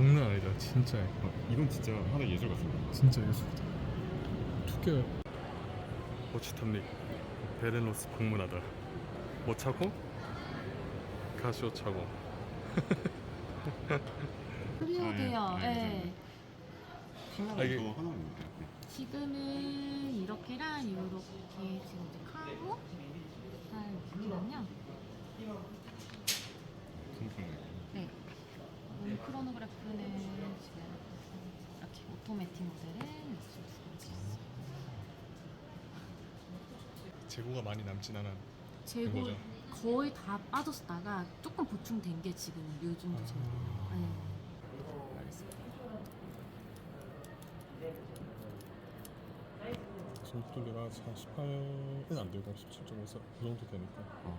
장난 아니다. 진짜 예뻐. 이건 진짜 하나의 예술 같습니다. 진짜 예술이다. 특이해. 오치탐닉 베렌로스 방문하다. 뭐 차고? 가시오 차고. 클리어돼요. 예, 예. 컬러가 이게- 또 하나입니다. 네. 지금은 이렇게랑 이렇게 지금 이제 카고 스타일이거든요. 손톱 네. 크로노그래프는 지금 이렇게 오토매틱 모델을 있어요. 재고가 많이 남진 않아. 재고 거죠? 거의 다 빠졌다가 조금 보충된 게 지금 요 정도 재고예요. 네. 알겠습니다. 속도가 한 18은 안 되고 17.5그 정도 되니까.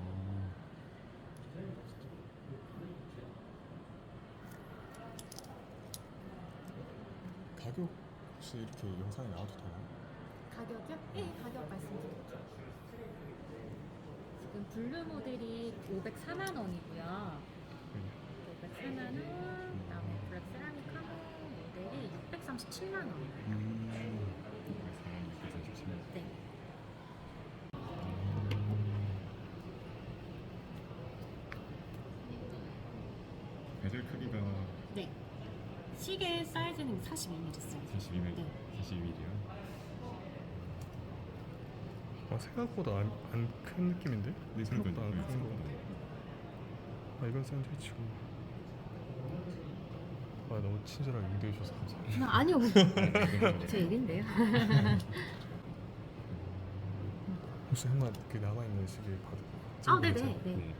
가격 혹시 이렇게 영상에 나와도 되나요? 가격이요? 네, 가격 말씀드릴게요. 지금 블루 모델이 504만 원이고요. 504만 원, 그다음에 블랙 세라믹 카모 모델이 637만 원. 네. 베젤 크기가 네. 시계 사이즈는 42mm 써요. 42mm. 네. 42mm요. 생각보다 안 큰 느낌인데? 네, 생각보다 안 그러니까요. 큰 거 같아. 이건 샌드위치고. 너무 친절하게 응대해 주셔서 감사합니다. 아니요. 제 일인데요. 혹시 한번 그 남아 있는 시계 봐도? 아, 네네. 네. 네.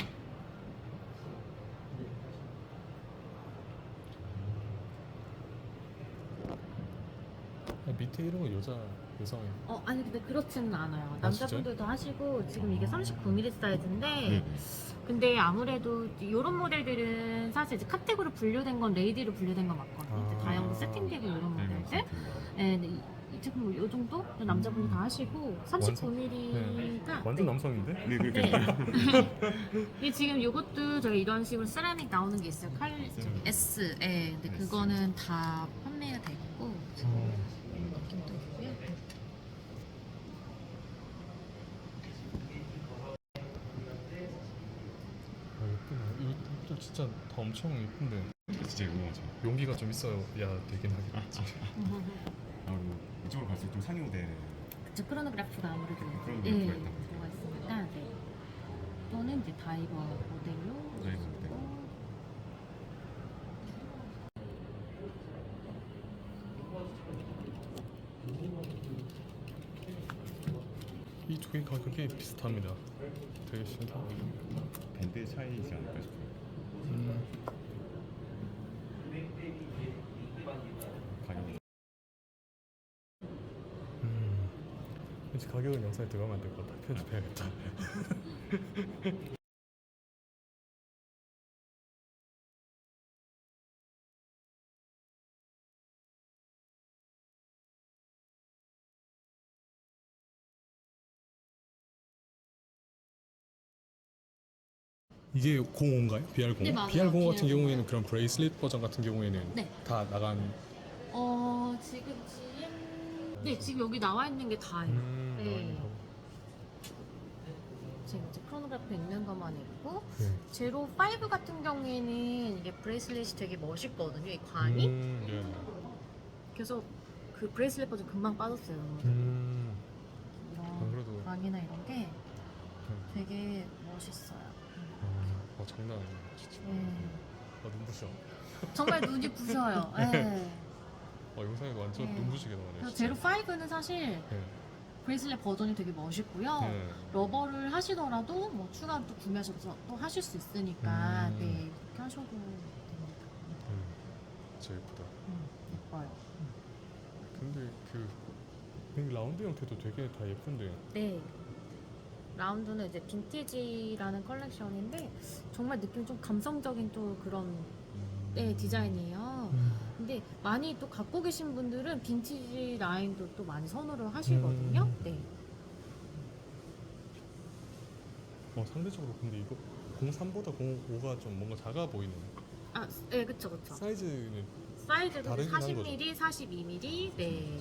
밑에 이런 거 여성이. 아니 근데 그렇지는 않아요. 진짜요? 남자분들도 하시고 지금 이게 39mm 사이즈인데 네. 근데 아무래도 이런 모델들은 사실 이제 카테고리 분류된 건 레이디로 분류된 건 맞거든요. 이제 다용도 세팅되고 이런 네, 모델들. 네, 네. 이 제품 이 정도 남자분이 다 하시고 39mm가 완전 남성인데? 네, 그러니까 이 지금 이것도 저희 이런 식으로 세라믹 나오는 게 있어요. S. 예. 근데 S. 그거는 다 판매가 됐고 이런 느낌도 있고요. 예쁘네. 이것도 진짜 다 엄청 예쁜데 진짜 유명하죠. 용기가 좀 있어야 되긴 하겠지. 그리고 이쪽으로 갈수록 좀 상위 모델 그쵸, 크로노그래프가 아무래도 크로노그래프가 예, 있다 들어가 있으니까 네. 또는 이제 다이버 모델로 다이버 모델. 이 두 개 가격이 비슷합니다. 되게 신기하네. 밴드 차이지 않을까 싶어요. 가격이 왠지 가격은 영상에 들어가면 안 될 것 같아. 편집해야겠다. 이게 05인가요? BR05? 네, 맞아요. BR05 같은 BR05. 경우에는 그런 브레이슬릿 버전 같은 경우에는 네. 다 나간. 지금 네, 지금 여기 나와 있는 게 다예요. 나와 네. 있는 거. 지금 이제 크로노그래프 있는 것만 있고 네. 제로 5 같은 경우에는 이게 브레이슬릿이 되게 멋있거든요. 이 관이. 네. 그래서 그 브레이슬릿 버전 금방 빠졌어요. 안 그래도- 이런 관이나 이런 게 되게 멋있어요. 장난 아니야 진짜. 네. 눈부셔. 정말 눈이 부셔요. 네. 영상에도 완전 네. 눈부시게 나오네. 그래서 제로 5는 사실 네. 브레이슬릿 버전이 되게 멋있고요. 네. 러버를 하시더라도 뭐 추가로 또 구매하셔서 또 하실 수 있으니까 네, 그렇게 하셔도 됩니다. 진짜 예쁘다. 예뻐요. 근데 그 라운드 형태도 되게 다 예쁜데. 네. 라운드는 이제 빈티지라는 컬렉션인데 정말 느낌 좀 감성적인 또 그런 네, 디자인이에요. 근데 많이 또 갖고 계신 분들은 빈티지 라인도 또 많이 선호를 하시거든요. 네. 상대적으로 근데 이거 03보다 05가 좀 뭔가 작아 보이네. 아, 네, 그쵸, 그쵸. 사이즈는 사이즈도 다르긴 한 40mm, 42mm, 네.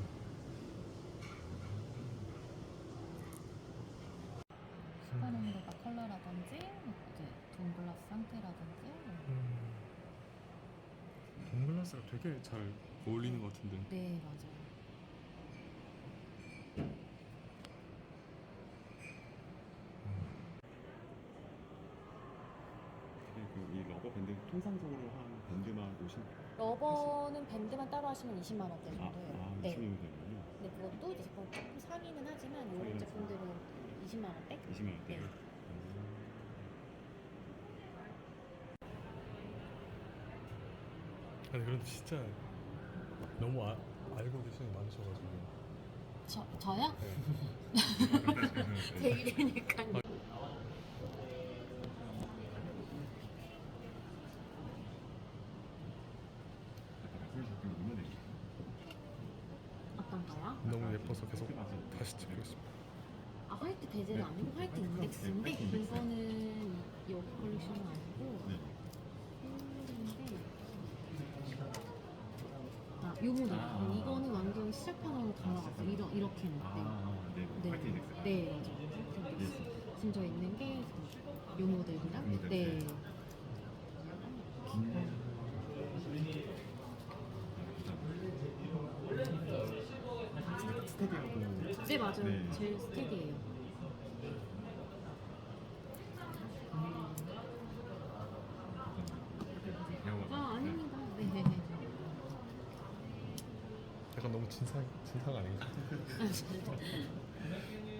슈퍼농도가 컬러라든지, 이제 돈글라스 상태라든지. 돈글라스가 되게 잘 어울리는 것 같은데. 네, 맞아요. 그리고 이 러버 밴드 통상적으로 한 밴드만 오신 러버는 밴드만 따로 하시면 20만 원대 아, 정도예요. 아 네. 20명 되는군요. 근데 그것도 이제 제품 조금 상위는 하지만 이런 상위는 제품들은 20만 원대? 20만 원대. 네. 아니 그런데 진짜 너무 알고 계시는 게 많으셔가지고. 저요? 네. 제 일이니까요. 아까 말씀해주셨던 게 얼마나 되죠? 어떤 거요? 너무 예뻐서 계속 다시 찍고 있습니다. 아, 화이트 베젤은 아니고 화이트 인덱스인데 화이트 인덱스. 이거는 여기 컬렉션은 아니고 네. 흰색인데 아, 요 모델. 아. 이거는 완전 시작하는 달라갔어요. 이렇게 는 네. 네. 화이트 인덱스. 네, 맞아요. 화이트 인덱스. 지금 저 있는 게 요 모델이랑 그 모델, 네. 네. 스테디하고 네, 맞아요. 네. 제일 스테디예요. 아, 아닙니다. 네. 약간 너무 진상 아닌가?